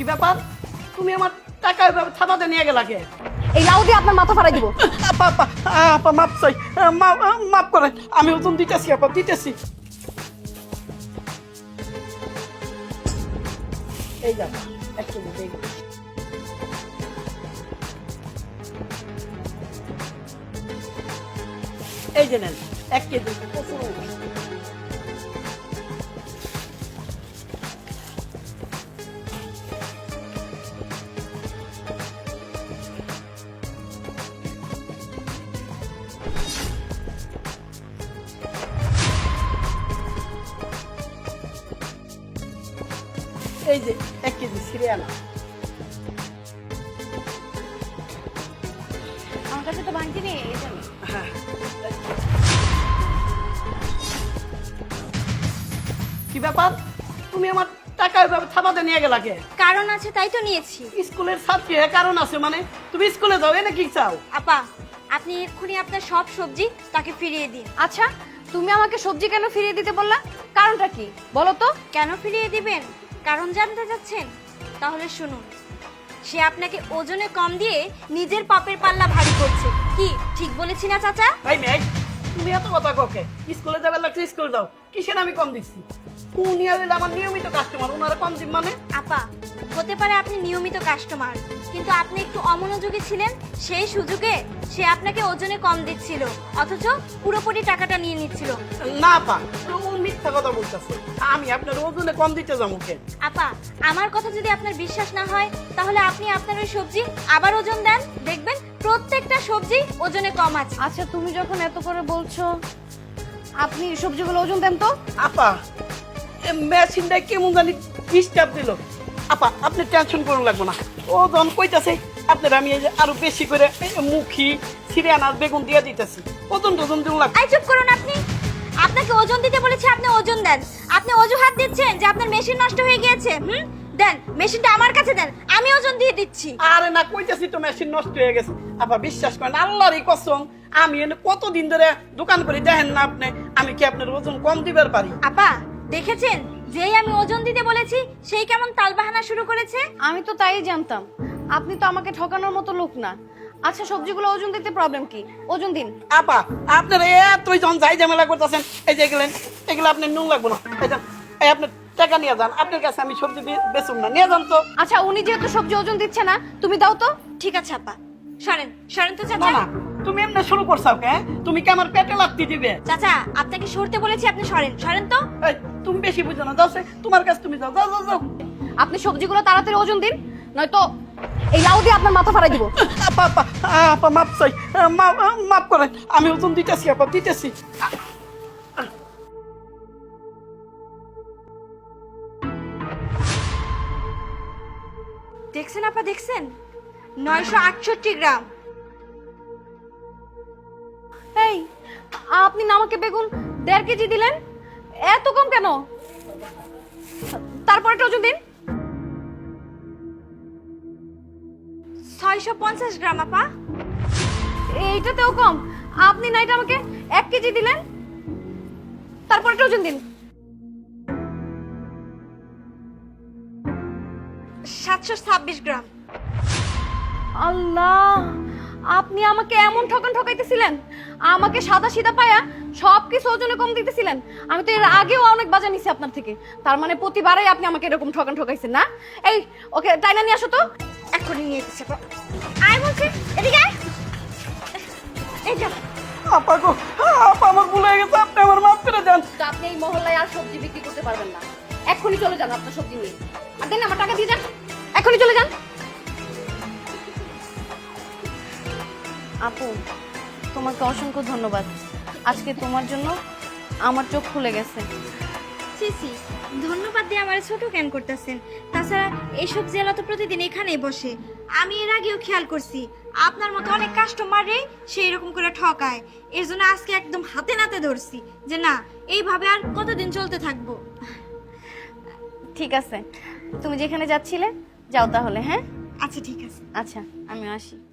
ব্যাপার? তুমি আমার টাকা এভাবে থাবাতে নিয়ে গেলা কে? এই লাউ দিয়ে আপনার মাথা ফাড়াই দিব। আপা আপা আপা মাপ চাই, মাপ করেন, আমি ওজন দিতেছি আপা, দিতেছি। এই যা একটু এই এই যে নেন 1 কেজি প্রচুর। এই যে 1 কেজি সিরিয়ানা। আমার কাছে তো ভাঙতি নেই, এই জন্য। হ্যাঁ, কি ব্যাপার? তুমি আমার টাকা এভাবে থাবাতে নিয়ে গেলা কে? কারণ আছে তাই তো নিয়েছি। স্কুলের ছাত্রী, কারণ আছে মানে? তুমি স্কুলে যাও, এনে কি চাও? আপা, আপনি এক্ষুনি আপনার সব সবজি তাকে ফিরিয়ে দিন। আচ্ছা, তুমি আমাকে সবজি কেন ফিরিয়ে দিতে বললা? কারণটা কি বলো তো? কেন ফিরিয়ে দিবেন? কারণ জানতে চাচ্ছেন? তাহলে শুনুন। সে আপনাকে ওজনে কম দিয়ে নিজের পাপের পাল্লা ভারী করছে। কি ঠিক বলেছি না চাচা? ভাই মেয়ে, তুমি এত কথা ককে? স্কুলে যাবে লাগছে স্কুল যাও, কিসের আমি কম দিচ্ছি? উনি হইলে আমার নিয়মিত কাস্টমার, ওনারা কম দিন মানে? আপা, হতে পারে আপনি নিয়মিত কাস্টমার, কিন্তু আপনি একটু অমনোযোগী ছিলেন। সেই সুযোগে সে আপনাকে ওজনে কম দিচ্ছিল, অথচ পুরোপুরি টাকাটা নিয়ে নিচ্ছিল। না পা, ও মিথ্যা কথা বলতেছে। আমি আপনার ওজনে কম দিতে যাবো কে? আপা, আমার কথা যদি আপনার বিশ্বাস না হয়, তাহলে আপনি আপনার ওই সবজি আবার ওজন দেন, দেখবেন প্রত্যেকটা সবজি ওজনে কম আছে। আচ্ছা, তুমি যখন এত করে বলছো, আপনি সবজিগুলো ওজন দেন তো। আপা, মেশিনটা কেমন জানি ডিস্টার্ব দিল। আপা, আপনি টেনশন করুন লাগবে না, ওজন কইতাছে আপনার আমি এই যে আরো বেশি করে মুখি সিরিয়ানা বেগুন দিয়ে দিতেছি, ওজন টোজন দিন লাগবে। আই চুপ করুন আপনি। আপনাকে ওজন দিতে বলেছি, আপনি ওজন দেন। আপনি অজুহাত দিচ্ছেন যে আপনার মেশিন নষ্ট হয়ে গিয়েছে। দেন, মেশিনটা আমার কাছে দেন, আমি ওজন দিয়ে দিচ্ছি। আরে না, কইতাছি তো মেশিন নষ্ট হয়ে গেছে। আপা বিশ্বাস করেন, আল্লাহরই কসম, আমি এনে কতদিন ধরে দোকান করি, দেখেন না আপনি আমি কি আপনার ওজন কম দিবার পারি? আপা, দেখেছেন যেই আমি ওজন দিতে বলেছি সেই কেমন তালবাহানা শুরু করেছে। আমি তো তাই জানতাম, আপনি তো আমাকে ঠকানোর মতো লোক না। আচ্ছা, সবজিগুলো ওজন দিতে প্রবলেম কি? ওজন দিন। আপা, আপনারা এতই যখন যাই ঝামেলা করতেছেন, এই যে এগুলো আপনি নুন লাগবো না, এই যান, এই আপনি টাকা নিয়ে যান, আপনার কাছে আমি সবজি বেচুন না, নিয়ে যান তো। আচ্ছা, উনি যেহেতু সবজি ওজন দিচ্ছে না, তুমি দাও তো। ঠিক আছে আপা, সরেন সরেন তো না চাচা। না, তুমি এমনি শুরু করছো কে? তুমি কি আমার পেটে লাগতে দিবে? চাচা, আপনাকে সরতে বলেছি, আপনি সরেন সরেন তো। এই, তুমি বেশি বুঝো না, যাও তোমার কাছে, তুমি যাও যাও যাও যাও। আপনি সবজিগুলো তাড়াতাড়ি ওজন দিন, নয়তো এই লাউ দিয়ে আপনার মাথা ফাড়াই দিব। আপা আপা আপা মাপ চাই, মাপ করেন, আমি ওজন দিতেছি আপা, দিতেছি। দেখছেন আপা, দেখছেন 968 গ্রাম। এই, আপনি না আমাকে বেগুন 1.5 কেজি দিলেন, এত কম কেন? তারপরে ওজন দিন। 650 গ্রাম আপা। এইটাতেও কম? আপনি না এটা আমাকে 1 কেজি দিলেন, তারপরে ওজন দিন। 726 গ্রাম। আল্লাহ, আপনি আমাকে এমন ঠকাইতেছিলেন, আমাকে সাদা সিধা পায়া সবকিছু ওজনে কম দিতেছিলেন। আমি তো এর আগেও অনেক বাজা নিছি আপনার থেকে, তার মানে প্রতিবারই আপনি আমাকে এরকম ঠকাইছেন না? এই, ওকে টাইনা নিয়ে আসো তো। এক্ষুনি নিয়ে এসেছে আপা। আয় বলছি, এদিকে আয়। এই যা। আপা গো, আপা আমার ভুল হয়ে গেছে, আপনি আমার মাফ করে দেন। তো আপনি এই মহল্লায় আর সবজি বিক্রি করতে পারবেন না, এক্ষুনি চলে যান আপনার সবজি নিয়ে। আর দেন, আমার টাকা দিয়ে যান, এক্ষুনি চলে যান। আপু, তোমাকে অসংখ্য ধন্যবাদ। আজকে তোমার জন্য আমার চোখ খুলে গেছে। সিসি, ধন্যবাদ দিয়ে আমার ছোট কেন করতেছেন? তাছাড়া এই সবজি আলা তো প্রতিদিন এখানেই বসে, আমি এর আগেও খেয়াল করছি আপনার মতো অনেক কাস্টমারই সেই রকম করে ঠকায়। এর জন্য আজকে একদম হাতে নাতে ধরছি যে না, এইভাবে আর কতদিন চলতে থাকবো। ঠিক আছে, তুমি যেখানে যাচ্ছিলে যাও তাহলে। হ্যাঁ, আচ্ছা ঠিক আছে। আচ্ছা, আমি আসি।